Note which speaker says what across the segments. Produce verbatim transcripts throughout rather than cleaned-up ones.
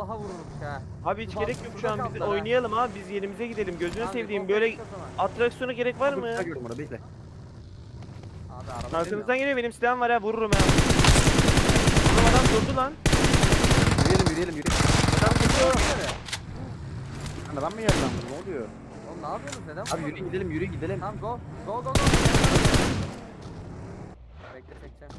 Speaker 1: vallaha vururmuş ha.
Speaker 2: Abi hiç
Speaker 1: Bak,
Speaker 2: gerek yok şu
Speaker 1: burada
Speaker 2: an, biz
Speaker 1: kaldılar ha.
Speaker 2: oynayalım abi, biz yerimize gidelim. Gözünü
Speaker 1: Abi,
Speaker 2: sevdiğim
Speaker 1: komple
Speaker 2: böyle
Speaker 1: git o zaman.
Speaker 2: atraksiyona gerek var
Speaker 3: Dur,
Speaker 2: mı?
Speaker 3: silah gördüm orada bekle.
Speaker 1: Abi araba
Speaker 2: Arkamızdan geliyor, benim silahım var ha, vururum ha. Oğlum adam durdu lan.
Speaker 3: Yürüyelim yürüyelim yürüyelim.
Speaker 2: Adam durdu.
Speaker 3: Lan adam mı geldi lan bu, ne oluyor?
Speaker 1: Oğlum ne yapıyorsunuz? Neden
Speaker 3: Abi
Speaker 1: vurmadınız?
Speaker 3: yürü gidelim yürü gidelim.
Speaker 1: Tamam go. Go go go. Bekle çekeceğim.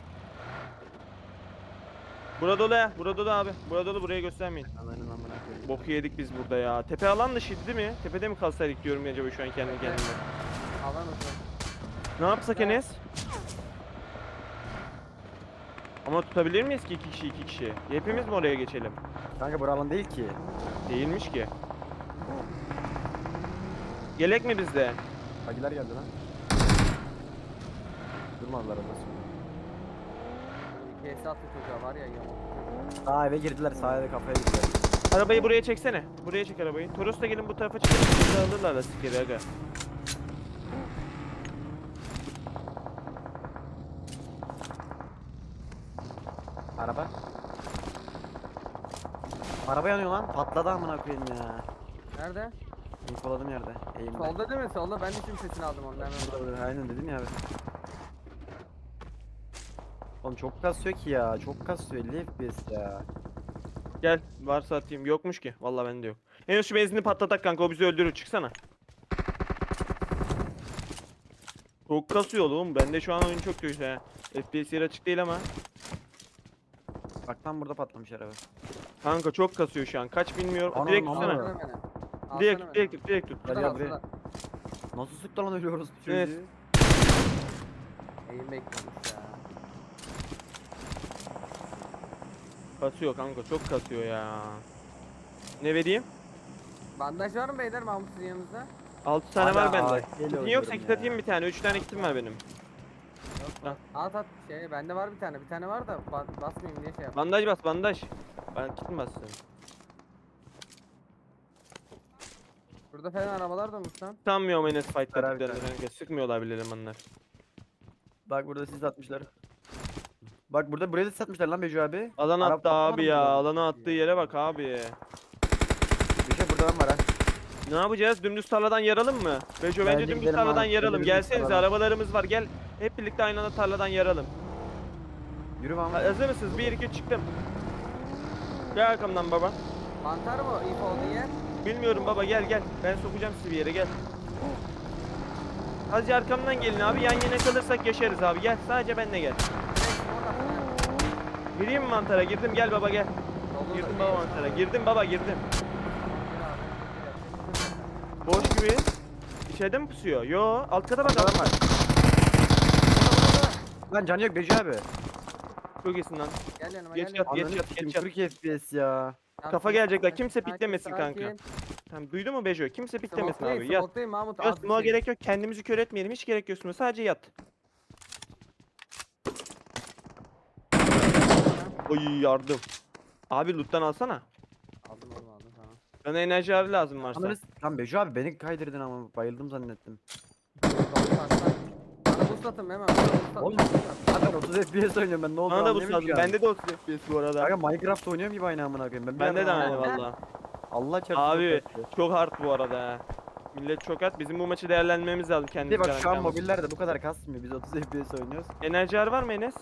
Speaker 2: Burada dolu ya, burada dolu abi. Burada dolu, buraya göstermeyin.
Speaker 3: Ananın amına koyayım.
Speaker 2: Boku yedik biz burada ya. Tepe alan dışıydı değil mi? Tepede mi kalsaydık diyorum acaba şu an kendi
Speaker 1: Evet.
Speaker 2: kendime.
Speaker 1: Alan uzun.
Speaker 2: Ne yapsak
Speaker 1: Evet.
Speaker 2: Enes? Ama tutabilir miyiz ki iki kişi iki kişi? Hepimiz mi oraya geçelim?
Speaker 3: Kanka bura alan değil ki.
Speaker 2: Değilmiş ki. Gelek mi bizde?
Speaker 3: Bagiler geldi lan. Durmadılar orada.
Speaker 1: İki S attı çocuğa var ya yamuk.
Speaker 3: Sağ eve girdiler, sağ eve kafaya girdiler.
Speaker 2: Arabayı buraya çeksene. Buraya çek arabayı. Toros da gelin bu tarafa çıkalım. Bizi alırlar da sikeri aga.
Speaker 3: Araba. Araba yanıyor lan. Patladı amına koyayım ya.
Speaker 1: Nerede?
Speaker 3: İnfoladım yerde. Eğimde.
Speaker 1: Solda değil mi? Solda. Ben de şimdi sesini aldım ondan.
Speaker 3: Burada, burada. Aynen dedim ya abi. Oğlum çok kasıyor ki ya. Çok kasıyor. elli F P S ya.
Speaker 2: Gel varsa atayım. Yokmuş ki. Vallahi bende yok. En şu benzinini patlatak kanka, o bizi öldürür, çıksana. Çok kasıyor oğlum. Bende şu an oyun çok kötü ha. F P S yer açık değil ama.
Speaker 3: Bak tam burada patlamış araba.
Speaker 2: Kanka çok kasıyor şu an. Kaç bilmiyorum.
Speaker 3: Ana,
Speaker 2: direkt
Speaker 3: ana.
Speaker 2: tutsana.
Speaker 1: Alsana beni. Alsana
Speaker 2: Direkt
Speaker 1: beni.
Speaker 2: tut, direkt tut, direkt tut.
Speaker 3: Gel
Speaker 1: Şuradan
Speaker 3: gel buraya.
Speaker 1: alsana.
Speaker 3: Nasıl sıktı lan ölüyoruz bu çocuğu?
Speaker 2: Evet.
Speaker 1: Eğim bekliyormuş ya.
Speaker 2: Kasıyor kanka, çok kasıyor ya. Ne vereyim?
Speaker 1: Bandaj var mı beyler Mahmut sizin yanınızda?
Speaker 2: altı tane
Speaker 3: Hala
Speaker 2: var bende.
Speaker 3: ağaç geliyor
Speaker 2: Kitin yoksa
Speaker 3: diyorum
Speaker 2: kit
Speaker 3: ya.
Speaker 2: atayım bir tane. üç tane kitim var benim.
Speaker 1: Yok. At at şey bende var bir tane. Bir tane var da ba basmayayım diye şey yap.
Speaker 2: Bandaj bas, bandaj. Ben kitim bassın.
Speaker 1: Burada falan arabalar durmuş lan.
Speaker 2: Sanmıyorum Enes fight
Speaker 3: Beraber
Speaker 2: yaptıklarını
Speaker 3: beraber.
Speaker 2: kanka. Sıkmıyorlar bile elemanlar.
Speaker 3: Bak burada siz atmışlar. Bak burada buraya da satmışlar lan Becu abi.
Speaker 2: Alan
Speaker 3: Araba
Speaker 2: attı
Speaker 3: patlamadı
Speaker 2: abi
Speaker 3: mı
Speaker 2: ya.
Speaker 3: burada?
Speaker 2: Alana attığı yere bak abi.
Speaker 3: Bir şey burada lan var ha.
Speaker 2: Ne yapacağız? Dümdüz tarladan yaralım mı? Bejo bence
Speaker 3: Bence
Speaker 2: dümdüz
Speaker 3: gidelim
Speaker 2: tarladan
Speaker 3: abi,
Speaker 2: yaralım.
Speaker 3: dümdüz
Speaker 2: Gelsenize,
Speaker 3: tarladan.
Speaker 2: arabalarımız var. Gel. Hep birlikte aynı anda tarladan yaralım.
Speaker 3: Yürü lan.
Speaker 2: Ha, hazır mısınız? bir iki çıktım. Gel arkamdan baba.
Speaker 1: Mantar mı ilk olduğu yer?
Speaker 2: Bilmiyorum baba, gel gel. Ben sokacağım sizi bir yere, gel. Hadi arkamdan gelin abi. Yan yana kalırsak yaşarız abi. Gel. Sadece benle gel.
Speaker 1: Direkt orada mı?
Speaker 2: Gireyim mi mantara? Girdim. Gel baba gel.
Speaker 1: Dolu
Speaker 2: Girdim
Speaker 1: da-
Speaker 2: baba mantara. Girdim baba, girdim.
Speaker 1: Gir abi,
Speaker 2: Boş gibi. İçeride mi pusuyor? Yo. Alt kata bak.
Speaker 3: Adam var. Lan canı yok Becu abi.
Speaker 2: Çok iyisin lan.
Speaker 1: Gel yanıma
Speaker 2: Geç
Speaker 1: gel.
Speaker 2: yat,
Speaker 1: yanıma.
Speaker 2: geç
Speaker 3: Ananı
Speaker 2: yat,
Speaker 3: sikeyim,
Speaker 2: geç yat.
Speaker 3: kırk F P S ya.
Speaker 1: Tamam,
Speaker 2: Kafa
Speaker 1: sakin,
Speaker 2: gelecekler.
Speaker 1: sakin,
Speaker 2: Kimse
Speaker 1: sakin,
Speaker 2: piklemesin
Speaker 1: sakin.
Speaker 2: kanka. Tamam, duydu mu Bejo? Kimse piklemesin
Speaker 1: Smoke'dayım,
Speaker 2: abi. Yat.
Speaker 1: smoke'dayım Mahmut.
Speaker 2: Yok,
Speaker 1: az bir
Speaker 2: smoke'a
Speaker 1: şey.
Speaker 2: gerek yok. Kendimizi kör etmeyelim. Hiç gerek yok. smoke'a. Sadece yat. Oy yardım. Abi loot'tan alsana.
Speaker 1: Aldım oğlum aldım tamam.
Speaker 2: Bana enerji harı lazım varsa.
Speaker 3: Ananı s- Lan Becu abi beni kaydırdın ama bayıldım zannettim.
Speaker 1: Doğru, kalksana. Bana boost atın hemen. Bana boost atın.
Speaker 3: Oğlum zaten otuz F P S oynuyorum ben, ne oldu
Speaker 2: Bana da bu
Speaker 3: anlayamıyorum
Speaker 2: lazım.
Speaker 3: ki abi.
Speaker 2: Bende de otuz F P S bu arada.
Speaker 3: Kanka Minecraft oynuyorum gibi aynı amına koyayım. Ben bir
Speaker 2: Bende de
Speaker 3: yerden
Speaker 2: aynı
Speaker 3: anlamadım.
Speaker 2: valla.
Speaker 3: Allah çarpsın.
Speaker 2: Abi
Speaker 3: çok kasıyor.
Speaker 2: çok hard bu arada ha. Millet çok hard. Bizim bu maçı değerlendirmemiz lazım
Speaker 3: Bir de
Speaker 2: kendimiz.
Speaker 3: bak şu an
Speaker 2: garanti almak.
Speaker 3: mobillerde bu kadar kasmıyor. Biz otuz F P S oynuyoruz.
Speaker 2: Enerji harı var mı Enes?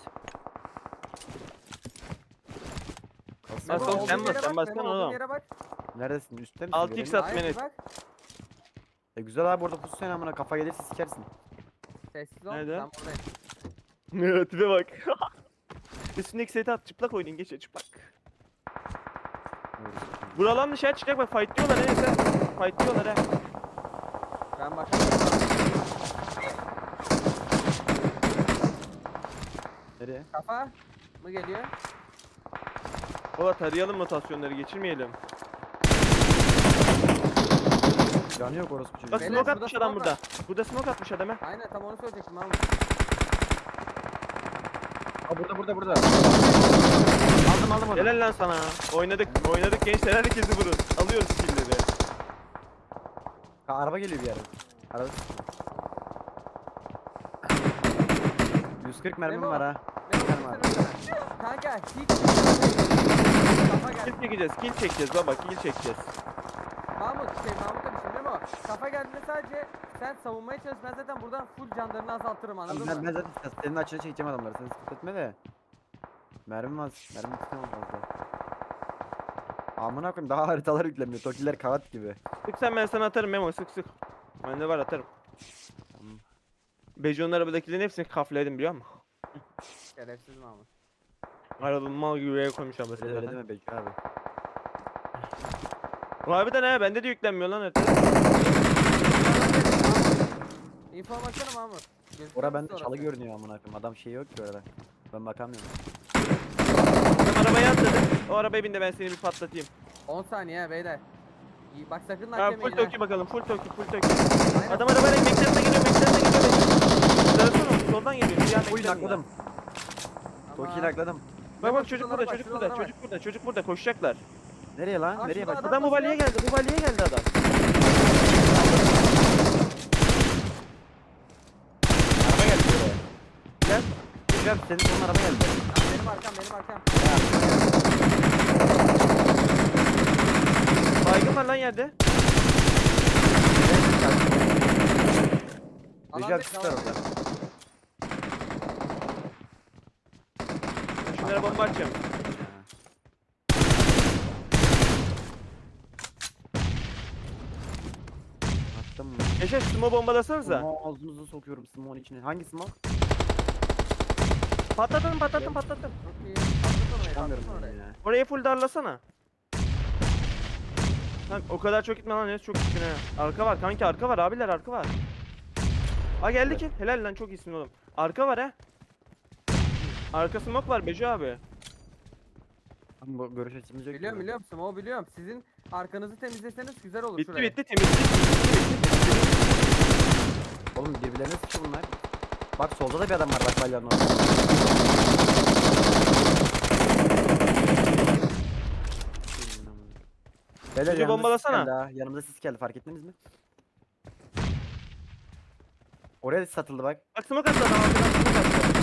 Speaker 3: Kasıyor.
Speaker 2: Bas
Speaker 1: Memo,
Speaker 2: oğlum, sen
Speaker 1: olduğun
Speaker 2: bas,
Speaker 1: yere
Speaker 2: sen
Speaker 1: bak,
Speaker 2: bassana
Speaker 1: Memo, olduğun
Speaker 2: oğlum.
Speaker 1: yere bak.
Speaker 3: Neredesin? Üstte misin?
Speaker 2: altı x
Speaker 3: Göremiyorum.
Speaker 2: at
Speaker 1: Hayır,
Speaker 2: Enes.
Speaker 1: bak.
Speaker 3: E güzel abi orada pusu amına, kafa gelirse sikersin.
Speaker 1: Sessiz ol.
Speaker 2: Nerede?
Speaker 1: Ben buradayım.
Speaker 2: Evet, tipe bak. Üstündeki seti at, çıplak oynayın, geç çıplak. Buralan dışarı çıkacak, bak fight diyorlar neyse. Fight diyorlar ha.
Speaker 1: Ben bakarım.
Speaker 3: Nereye?
Speaker 1: Kafa mı geliyor?
Speaker 2: Baba tarayalım, rotasyonları geçirmeyelim.
Speaker 3: Canı yok orospu çocuğu.
Speaker 2: Bak
Speaker 1: Beyler,
Speaker 2: smoke
Speaker 1: burada
Speaker 2: atmış adam
Speaker 1: smoke
Speaker 2: burada. Burada smoke atmış adam ha.
Speaker 1: Aynen tam onu söyleyecektim Mahmut.
Speaker 3: Aa burada burada burada. Aldım aldım onu.
Speaker 2: Helal lan sana. Oynadık, oynadık gençler, herkesi vurun. Alıyoruz killleri.
Speaker 3: Ha, araba geliyor bir yere. Araba. yüz kırk mermim
Speaker 1: Memo.
Speaker 3: var ha.
Speaker 1: Memo,
Speaker 3: Bakarım abi.
Speaker 1: gitsene. Kanka hiç Kafa geldi.
Speaker 2: Kill çekeceğiz, kill çekeceğiz baba, kill çekeceğiz.
Speaker 1: Mahmut şey Mahmut da düşündü mü o? Kafa geldiğinde sadece sen savunmaya çalış. Ben zaten buradan full canlarını azaltırım anladın
Speaker 3: Ben,
Speaker 1: mı?
Speaker 3: ben zaten senin açını çekeceğim adamları. Sen sıkıntı etme de. Mermim az. Mermim tutamam fazla. Amına koyayım daha haritalar yüklemiyor. Tokiler kağıt gibi.
Speaker 2: Sık sen, ben sana atarım Memo, sık sık. Bende var, atarım.
Speaker 3: Tamam.
Speaker 2: Bejo'nun arabadakilerin hepsini kafledim biliyor musun?
Speaker 1: Şerefsiz Mahmut.
Speaker 2: Arabamı mal gibi buraya koymuş ablasını
Speaker 3: Öyle, öyle
Speaker 2: zaten.
Speaker 3: deme Bekir abi.
Speaker 2: Harbiden he, bende de yüklenmiyor lan harita.
Speaker 1: İnfo baksana Mahmut. Gözüküyor
Speaker 3: Ora
Speaker 1: musun
Speaker 3: bende çalı
Speaker 1: orası?
Speaker 3: görünüyor amına koyayım. Adam şey yok ki orada. Ben bakamıyorum.
Speaker 2: Adam arabaya atladı. O arabaya bin de ben seni bir patlatayım.
Speaker 1: on saniye beyler. İyi, bak sakın
Speaker 2: Ha,
Speaker 1: nak
Speaker 2: full
Speaker 1: yemeyin ha.
Speaker 2: toki bakalım, full toki, full toki.
Speaker 1: Aynen.
Speaker 2: Adam arabayla McLaren'e geliyor, McLaren'e geliyor. Sarısana, soldan geliyor. Siyah
Speaker 3: Toki'yi
Speaker 2: McLaren'la.
Speaker 3: nakladım.
Speaker 1: Tamam.
Speaker 3: Toki'yi nakladım.
Speaker 2: Bak
Speaker 1: Bak,
Speaker 2: bak çocuk
Speaker 1: şuralara
Speaker 2: burada,
Speaker 1: bak,
Speaker 2: çocuk
Speaker 1: şuralara
Speaker 2: burada,
Speaker 1: bak.
Speaker 2: çocuk burada, çocuk burada, koşacaklar.
Speaker 3: Nereye lan?
Speaker 1: Aa,
Speaker 3: Nereye
Speaker 1: şurada
Speaker 3: bak?
Speaker 1: adam-
Speaker 2: Adam bu
Speaker 1: basıyor.
Speaker 2: balya geldi, bu balya geldi adam.
Speaker 3: Araba geldi buraya.
Speaker 2: Gel.
Speaker 3: Bekir abi senin sonun araba geldi.
Speaker 1: Ya benim arkam benim arkam.
Speaker 2: Baygın var lan yerde.
Speaker 3: Bekir
Speaker 1: Alan
Speaker 3: abi sis var orada.
Speaker 2: Şunlara bomba atacağım.
Speaker 3: Attım mı?
Speaker 2: Yaşar sumo bombalasanıza.
Speaker 3: Smoke ağzınıza sokuyorum smoke'un içine. Hangi smoke?
Speaker 2: Patlatın, patlatın, patlatın.
Speaker 1: Çok iyi. Patlat orayı
Speaker 3: Çıkamıyorum
Speaker 1: patlat
Speaker 3: ben
Speaker 1: orayı.
Speaker 3: ya.
Speaker 2: Orayı full darlasana. Lan o kadar çok gitme lan, Enes, çok gittin ha. Arka var kanki, arka var abiler, arka var. Ha geldi ki. Helal lan, çok iyisin oğlum. Arka var ha. Arka smoke var Beco abi.
Speaker 3: Ama bu görüş açımız yok.
Speaker 1: Biliyorum
Speaker 3: ki.
Speaker 1: biliyorum Smo biliyorum. Sizin arkanızı temizleseniz güzel olur
Speaker 2: Bitti
Speaker 1: şuraya.
Speaker 2: bitti, temizlik. Bitti bitti, bitti.
Speaker 3: Oğlum birbirlerine sıkıyor bunlar. Bak solda da bir adam var bak balyanın orada. Beyler
Speaker 2: Bizi
Speaker 3: yanımıza
Speaker 2: bombalasana.
Speaker 3: sis geldi ha. Yanımıza sis geldi fark ettiniz mi? Oraya da satıldı bak.
Speaker 2: Bak smoke attı adam, arkadan smoke attı.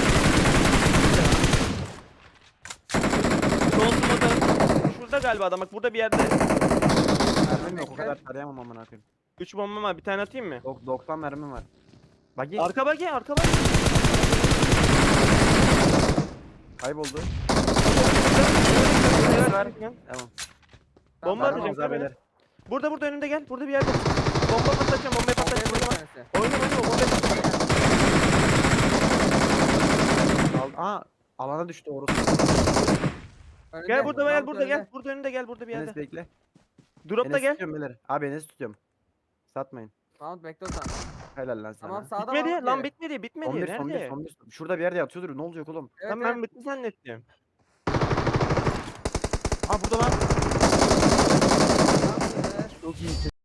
Speaker 2: Sol smoke. Şurada galiba adam, bak burada bir yerde.
Speaker 3: Mermim yok o
Speaker 1: bekle.
Speaker 3: kadar tarayamam amına koyayım.
Speaker 2: üç bombam var, bir tane atayım mı?
Speaker 3: Dok doksan mermim var. Bak git.
Speaker 2: Arka bak ya, arka bak.
Speaker 3: Kayboldu.
Speaker 2: Evet,
Speaker 3: var.
Speaker 2: tamam.
Speaker 3: Tamam.
Speaker 2: Bomba
Speaker 1: Tamam,
Speaker 2: atacağım
Speaker 3: Tamam,
Speaker 2: beyler.
Speaker 3: beyler.
Speaker 2: Burada burada önümde gel. Burada bir yerde. Bomba patlatacağım, bombayı
Speaker 1: Bombaya
Speaker 2: patlatacağım.
Speaker 1: vur
Speaker 2: Oynama.
Speaker 1: bir tanesi.
Speaker 2: Oynama oynama, bombayı patlatacağım.
Speaker 3: Al Aa alana düştü orası.
Speaker 1: Önünde,
Speaker 2: Gel burada gel,
Speaker 1: Mahmut
Speaker 2: burada gel.
Speaker 1: önünde.
Speaker 2: Burada önünde gel, burada bir yerde.
Speaker 3: Enes bekle.
Speaker 2: Dropta
Speaker 3: Enes
Speaker 2: gel.
Speaker 3: tutuyorum beyler. Abi Enes tutuyorum. Satmayın.
Speaker 1: Mahmut bekle o zaman.
Speaker 3: Helal lan sana.
Speaker 1: Tamam sağda
Speaker 2: Bitmedi.
Speaker 1: Mahmut
Speaker 2: Lan
Speaker 1: geri.
Speaker 2: bitmedi, bitmedi.
Speaker 3: Son bir, son bir,
Speaker 2: Nerede?
Speaker 3: son bir. Şurada bir yerde yatıyordur. Ne olacak oğlum?
Speaker 1: Evet,
Speaker 2: Tamam
Speaker 1: evet.
Speaker 2: ben bitti zannettim.
Speaker 3: Aa burada lan.
Speaker 1: Mahmut önünde.
Speaker 3: Çok iyi.